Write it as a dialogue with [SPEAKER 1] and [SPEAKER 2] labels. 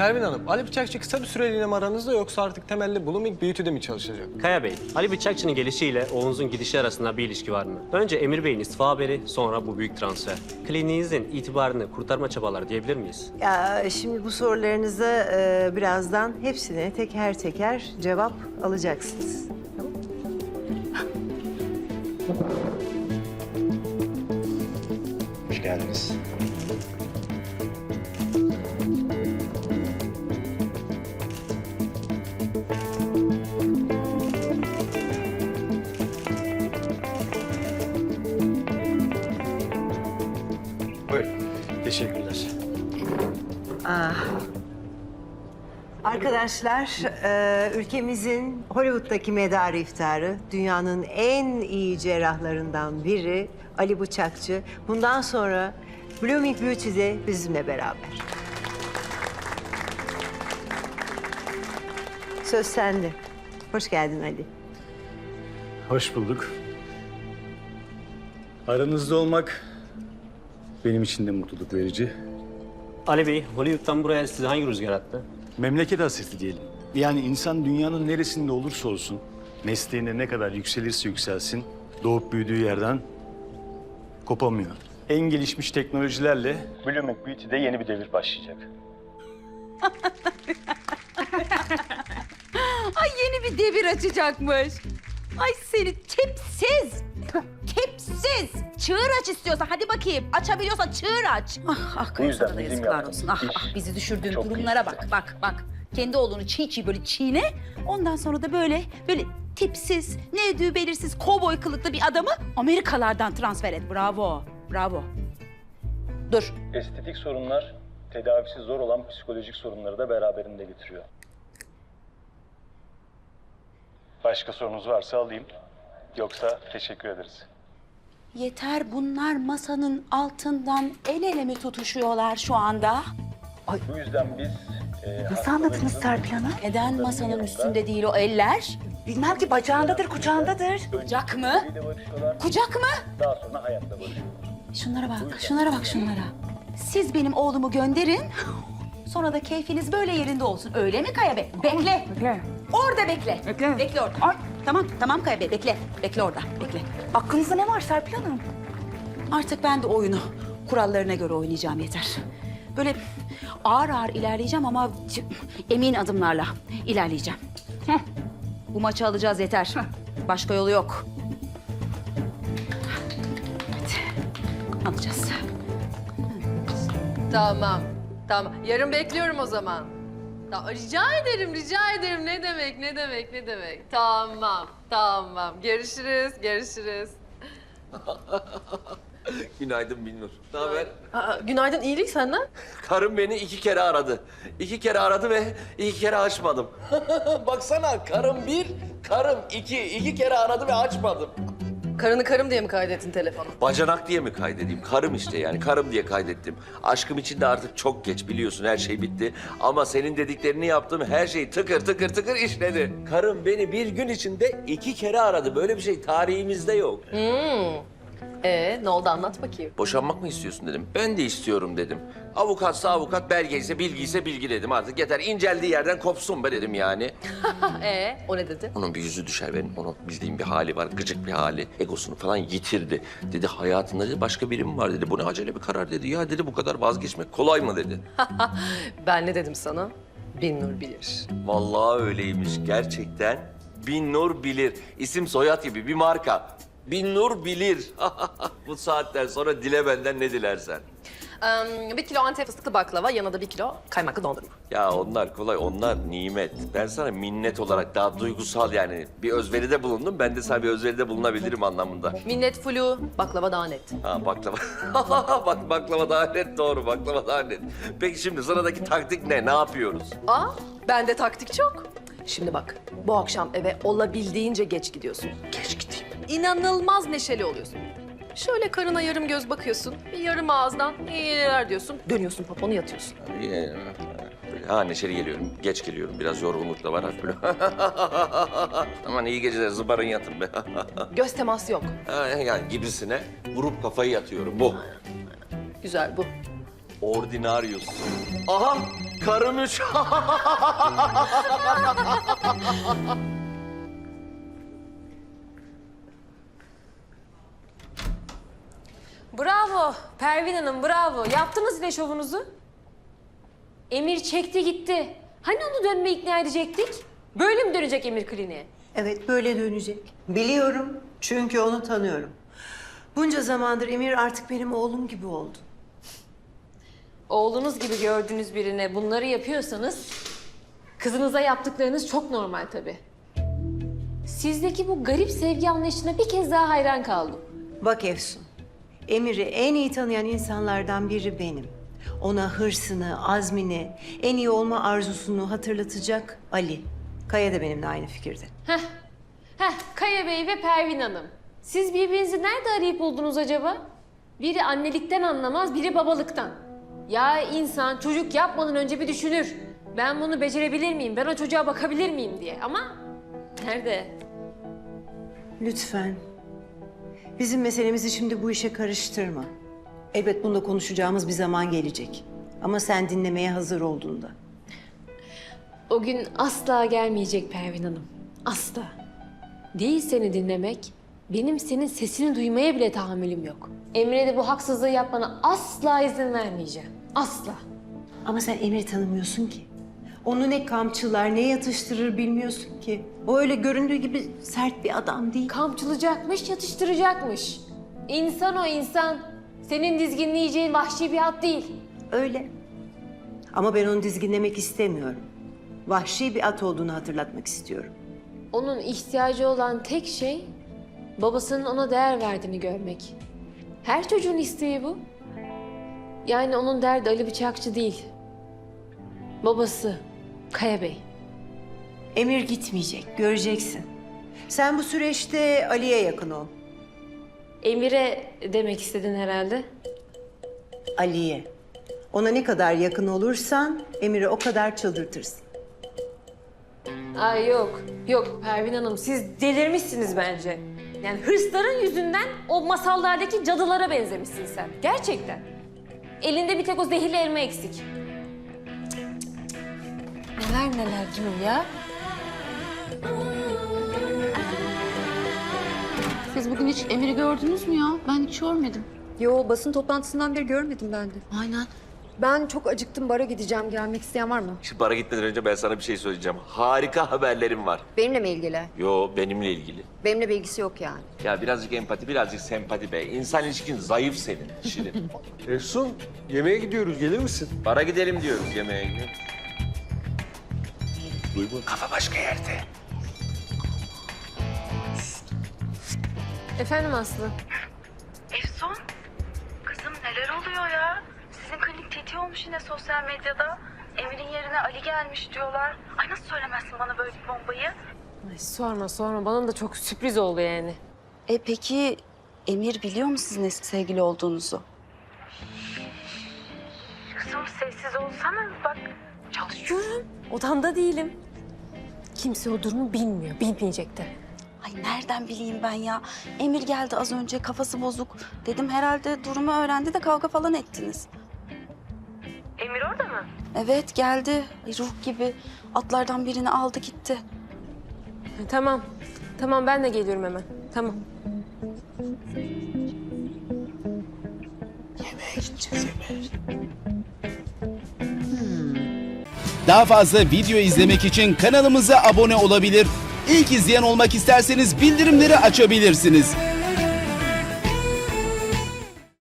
[SPEAKER 1] Pervin Hanım, Ali Bıçakçı kısa bir süreliğine mi aranızda yoksa artık temelli Blooming Beauty'de mi çalışacak?
[SPEAKER 2] Kaya Bey, Ali Bıçakçı'nın gelişiyle Oğuz'un gidişi arasında bir ilişki var mı? Önce Emir Bey'in istifa haberi, sonra bu büyük transfer. Kliniğinizin itibarını kurtarma çabaları diyebilir miyiz?
[SPEAKER 3] Ya şimdi bu sorularınıza birazdan hepsine teker teker cevap alacaksınız.
[SPEAKER 4] Hoş geldiniz.
[SPEAKER 1] Buyurun. Teşekkürler.
[SPEAKER 3] Arkadaşlar, ülkemizin Hollywood'daki medarı iftarı, dünyanın en iyi cerrahlarından biri Ali Bıçakçı. Bundan sonra Blooming Beauty'de bizimle beraber. Söz sende. Hoş geldin Ali.
[SPEAKER 4] Hoş bulduk. Aranızda olmak benim için de mutluluk verici.
[SPEAKER 2] Ali Bey, Hollywood'dan buraya sizi hangi rüzgar attı?
[SPEAKER 4] Memleket hasreti diyelim. Yani insan dünyanın neresinde olursa olsun, mesleğinde ne kadar yükselirse yükselsin, doğup büyüdüğü yerden kopamıyor. En gelişmiş teknolojilerle Blooming Beauty'de yeni bir devir başlayacak.
[SPEAKER 5] Ay yeni bir devir açacakmış. Ay seni tipsiz. Tipsiz. Çığır aç istiyorsan hadi bakayım. Açabiliyorsan çığır aç. Ah
[SPEAKER 4] Bu yüzden
[SPEAKER 5] sana da
[SPEAKER 4] bizim
[SPEAKER 5] yazıklar
[SPEAKER 4] yaptığımız
[SPEAKER 5] olsun. Ah
[SPEAKER 4] iş
[SPEAKER 5] bizi düşürdüğün
[SPEAKER 4] çok
[SPEAKER 5] durumlara
[SPEAKER 4] kıymetli.
[SPEAKER 5] bak. Kendi oğlunu çiğ böyle çiğne. Ondan sonra da böyle tipsiz, ne ödüğü belirsiz kovboy kılıklı bir adamı Amerikalardan transfer et. Bravo. Dur.
[SPEAKER 4] Estetik sorunlar, tedavisi zor olan psikolojik sorunları da beraberinde getiriyor. Başka sorunuz varsa alayım. Yoksa teşekkür ederiz.
[SPEAKER 5] Yeter, bunlar masanın altından el ele mi tutuşuyorlar şu anda?
[SPEAKER 4] Bu yüzden biz...
[SPEAKER 5] Nasıl anladınız Serpil Hanım? Neden masanın üstünde değil o eller?
[SPEAKER 6] Bilmem ki bacağındadır, kucağındadır.
[SPEAKER 5] Kucak mı? Kucak mı?
[SPEAKER 4] Daha sonra hayatta barışıyorlar.
[SPEAKER 5] Şunlara bak. Siz benim oğlumu gönderin. Sonra da keyfiniz böyle yerinde olsun. Öyle mi Kaya Bey? Bekle. Orada bekle. Bekle orada. Ay, tamam Kaya Bey, bekle. Bekle orada, bekle.
[SPEAKER 6] Aklınızda ne var Serpil Hanım?
[SPEAKER 5] Artık ben de oyunu kurallarına göre oynayacağım, yeter. Böyle ağır ağır ilerleyeceğim ama emin adımlarla ilerleyeceğim. Bu maçı alacağız, yeter. Başka yolu yok. Hadi, alacağız.
[SPEAKER 7] Tamam. Yarın bekliyorum o zaman. Rica ederim. Ne demek. Tamam. Görüşürüz.
[SPEAKER 8] Günaydın Binnur. Ne haber?
[SPEAKER 7] Günaydın, iyilik senden.
[SPEAKER 8] Karım beni 2 kere aradı. 2 kere aradı ve 2 kere açmadım. Baksana, karım 1, karım 2. 2 kere aradı ve açmadım.
[SPEAKER 7] Karını karım diye mi kaydettin telefonu?
[SPEAKER 8] Bacanak diye mi kaydedeyim? Karım işte yani, karım diye kaydettim. Aşkım için de artık çok geç, biliyorsun, her şey bitti. Ama senin dediklerini yaptım, her şey tıkır işledi. Karım beni bir gün içinde 2 kere aradı. Böyle bir şey tarihimizde yok.
[SPEAKER 7] Ne oldu, anlat bakayım.
[SPEAKER 8] Boşanmak mı istiyorsun dedim. Ben de istiyorum dedim. Avukatsa avukat, belge ise bilgi ise bilgi dedim. Artık yeter, inceldiği yerden kopsun be dedim yani.
[SPEAKER 7] O ne dedi?
[SPEAKER 8] Onun bir yüzü düşer, benim onun bildiğim bir hali var, gıcık bir hali. Egosunu falan yitirdi. Dedi hayatında dedi, başka biri mi var dedi. Bu ne acele bir karar dedi. Ya dedi, bu kadar vazgeçmek kolay mı dedi.
[SPEAKER 7] Ben ne dedim sana? Binnur bilir.
[SPEAKER 8] Vallahi öyleymiş gerçekten. Binnur bilir. İsim soyad gibi bir marka. Binnur bilir. Bu saatten sonra dile benden ne dilersen.
[SPEAKER 7] 1 kilo Antep fıstıklı baklava, yanına da 1 kilo kaymaklı dondurma.
[SPEAKER 8] Ya onlar kolay, onlar nimet. Ben sana minnet olarak daha duygusal yani bir özveride bulundum. Ben de sana bir özveride bulunabilirim anlamında.
[SPEAKER 7] Minnet flu, baklava daha net.
[SPEAKER 8] Ha baklava. Bak baklava daha net, doğru, baklava daha net. Peki şimdi sıradaki taktik ne? Ne yapıyoruz?
[SPEAKER 7] Bende taktik çok. Şimdi bak, bu akşam eve olabildiğince geç gidiyorsun.
[SPEAKER 8] Geç gideyim.
[SPEAKER 7] İnanılmaz neşeli oluyorsun. Şöyle karına yarım göz bakıyorsun, bir yarım ağızdan iyiler diyorsun. Dönüyorsun poponu, yatıyorsun.
[SPEAKER 8] Ha neşeli geliyorum, geç geliyorum. Biraz yorgunluk da var hafif böyle. Aman iyi geceler, zıbarın yatın be.
[SPEAKER 7] Göz teması yok.
[SPEAKER 8] Yani gibisine vurup kafayı yatıyorum. Bu.
[SPEAKER 7] Güzel bu.
[SPEAKER 8] Ordinarius. Aha! Karım 3.
[SPEAKER 9] Bravo Pervin Hanım, bravo. Yaptınız yine şovunuzu. Emir çekti gitti. Hani onu dönmeye ikna edecektik? Böyle mi dönecek Emir kliniğe?
[SPEAKER 3] Evet, böyle dönecek. Biliyorum çünkü onu tanıyorum. Bunca zamandır Emir artık benim oğlum gibi oldu.
[SPEAKER 9] Oğlunuz gibi gördüğünüz birine bunları yapıyorsanız... ...kızınıza yaptıklarınız çok normal tabii. Sizdeki bu garip sevgi anlayışına bir kez daha hayran kaldım.
[SPEAKER 3] Bak Efsun, Emir'i en iyi tanıyan insanlardan biri benim. Ona hırsını, azmini, en iyi olma arzusunu hatırlatacak Ali. Kaya da benimle aynı fikirde.
[SPEAKER 9] Kaya Bey ve Pervin Hanım. Siz birbirinizi nerede arayıp buldunuz acaba? Biri annelikten anlamaz, biri babalıktan. Ya insan çocuk yapmadan önce bir düşünür. Ben bunu becerebilir miyim, ben o çocuğa bakabilir miyim diye. Ama nerede?
[SPEAKER 3] Lütfen. Bizim meselemizi şimdi bu işe karıştırma. Elbet bunda konuşacağımız bir zaman gelecek. Ama sen dinlemeye hazır olduğunda.
[SPEAKER 9] O gün asla gelmeyecek Pervin Hanım. Asla. Değil seni dinlemek, benim senin sesini duymaya bile tahammülüm yok. Emre'ye de bu haksızlığı yapmana asla izin vermeyeceğim. Asla.
[SPEAKER 3] Ama sen Emir'i tanımıyorsun ki. Onu ne kamçılar, ne yatıştırır bilmiyorsun ki. O öyle göründüğü gibi sert bir adam değil.
[SPEAKER 9] Kamçılacakmış, yatıştıracakmış. İnsan o insan. Senin dizginleyeceğin vahşi bir at değil.
[SPEAKER 3] Öyle. Ama ben onu dizginlemek istemiyorum. Vahşi bir at olduğunu hatırlatmak istiyorum.
[SPEAKER 9] Onun ihtiyacı olan tek şey babasının ona değer verdiğini görmek. Her çocuğun isteği bu. Yani onun derdi Ali Bıçakçı değil. Babası Kaya Bey.
[SPEAKER 3] Emir gitmeyecek, göreceksin. Sen bu süreçte Ali'ye yakın ol.
[SPEAKER 9] Emir'e demek istedin herhalde.
[SPEAKER 3] Ali'ye. Ona ne kadar yakın olursan Emir'i o kadar çıldırtırsın.
[SPEAKER 9] Ay yok, yok Pervin Hanım siz delirmişsiniz bence. Yani hırsların yüzünden o masallardaki cadılara benzemişsin sen. Gerçekten. Elinde bir tek o zehirli elma eksik. Neler neler diyor ya.
[SPEAKER 5] Siz bugün hiç Emir'i gördünüz mü ya? Ben hiç görmedim.
[SPEAKER 7] Yo, basın toplantısından beri görmedim ben de.
[SPEAKER 5] Aynen.
[SPEAKER 7] Ben çok acıktım, bara gideceğim. Gelmek isteyen var mı?
[SPEAKER 8] Şimdi bara gitmeden önce ben sana bir şey söyleyeceğim. Harika haberlerim var.
[SPEAKER 7] Benimle mi ilgili?
[SPEAKER 8] Yo, benimle ilgili.
[SPEAKER 7] Benimle bir ilgisi yok yani.
[SPEAKER 8] Ya birazcık empati, birazcık sempati be. İnsan ilişkin zayıf senin Şirin.
[SPEAKER 1] Efsun, yemeğe gidiyoruz. Gelir misin?
[SPEAKER 8] Bara gidelim diyoruz yemeğe gidiyoruz. Kafa başka yerde.
[SPEAKER 9] Efendim Aslı.
[SPEAKER 6] Efsun, kızım neler oluyor ya? Sizin klinik teti olmuş yine sosyal medyada. Emir'in yerine Ali gelmiş diyorlar. Ay nasıl söylemezsin bana böyle bir bombayı?
[SPEAKER 9] Ay sorma bana da çok sürpriz oldu yani.
[SPEAKER 5] Peki Emir biliyor mu sizin eski sevgili olduğunuzu?
[SPEAKER 6] Kızım sessiz olsana bak.
[SPEAKER 9] Çalışıyorum. Odamda değilim. Kimse o durumu bilmiyor, bilmeyecek de.
[SPEAKER 5] Ay nereden bileyim ben ya? Emir geldi az önce, kafası bozuk. Dedim herhalde durumu öğrendi de kavga falan ettiniz.
[SPEAKER 6] Emir orada mı?
[SPEAKER 5] Evet geldi. Ay, ruh gibi atlardan birini aldı gitti.
[SPEAKER 9] Tamam, tamam ben de geliyorum hemen. Tamam.
[SPEAKER 10] Daha fazla video izlemek için kanalımıza abone olabilir. İlk izleyen olmak isterseniz bildirimleri açabilirsiniz.